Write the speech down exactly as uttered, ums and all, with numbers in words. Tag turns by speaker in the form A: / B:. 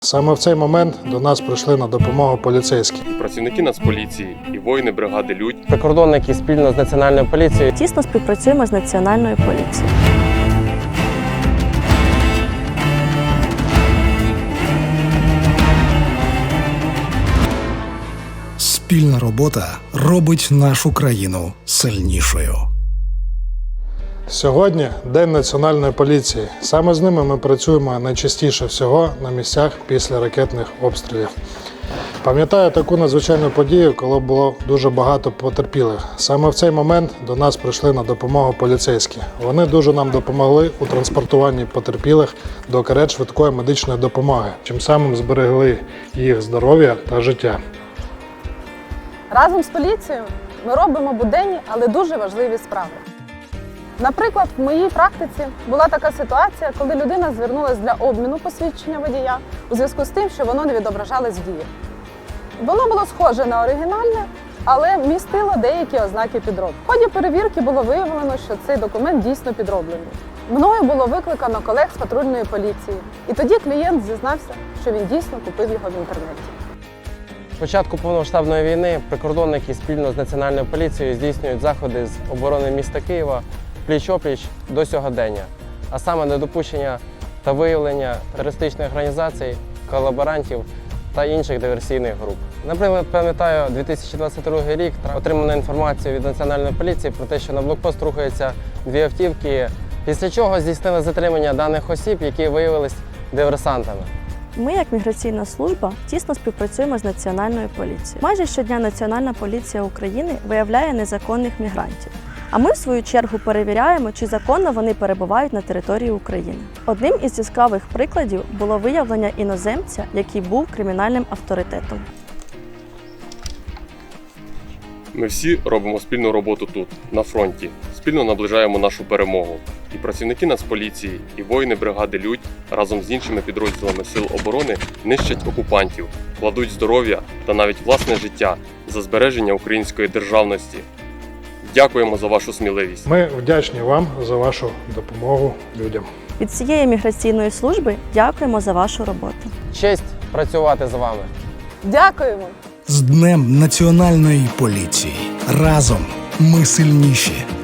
A: Саме в цей момент до нас прийшли на допомогу поліцейські.
B: І працівники Нацполіції, і воїни бригади «Людь».
C: Прикордонники спільно з Національною поліцією
D: Тісно співпрацюємо з Національною поліцією.
E: Спільна робота робить нашу країну сильнішою.
A: Сьогодні День Національної поліції. Саме з ними ми працюємо найчастіше всього на місцях після ракетних обстрілів. Пам'ятаю таку надзвичайну подію, коли було дуже багато потерпілих. Саме в цей момент до нас прийшли на допомогу поліцейські. Вони дуже нам допомогли у транспортуванні потерпілих до карет швидкої медичної допомоги, чим самим зберегли їх здоров'я та життя.
F: Разом з поліцією ми робимо буденні, але дуже важливі справи. Наприклад, в моїй практиці була така ситуація, коли людина звернулася для обміну посвідчення водія у зв'язку з тим, що воно не відображалось в дії. Воно було схоже на оригінальне, але містило деякі ознаки підробки. В ході перевірки було виявлено, що цей документ дійсно підроблений. Мною було викликано колег з патрульної поліції, і тоді клієнт зізнався, що він дійсно купив його в інтернеті.
C: З початку повномасштабної війни прикордонники спільно з Національною поліцією здійснюють заходи з оборони міста Києва пліч-опліч до сьогодення, а саме недопущення та виявлення терористичних організацій, колаборантів та інших диверсійних груп. Наприклад, пам'ятаю дві тисячі двадцять другий рік, отримана інформація від Національної поліції про те, що на блокпост рухаються дві автівки, після чого здійснили затримання даних осіб, які виявились диверсантами.
D: Ми, як міграційна служба, тісно співпрацюємо з Національною поліцією. Майже щодня Національна поліція України виявляє незаконних мігрантів. А ми, в свою чергу, перевіряємо, чи законно вони перебувають на території України. Одним із яскравих прикладів було виявлення іноземця, який був кримінальним авторитетом.
B: Ми всі робимо спільну роботу тут, на фронті. Спільно наближаємо нашу перемогу. І працівники Нацполіції, і воїни бригади «Людь» разом з іншими підрозділами Сил оборони нищать окупантів, кладуть здоров'я та навіть власне життя за збереження української державності. Дякуємо за вашу сміливість.
A: Ми вдячні вам за вашу допомогу людям.
D: Від всієї міграційної служби дякуємо за вашу роботу.
C: Честь працювати з вами!
F: Дякуємо!
E: З Днем Національної поліції! Разом ми сильніші!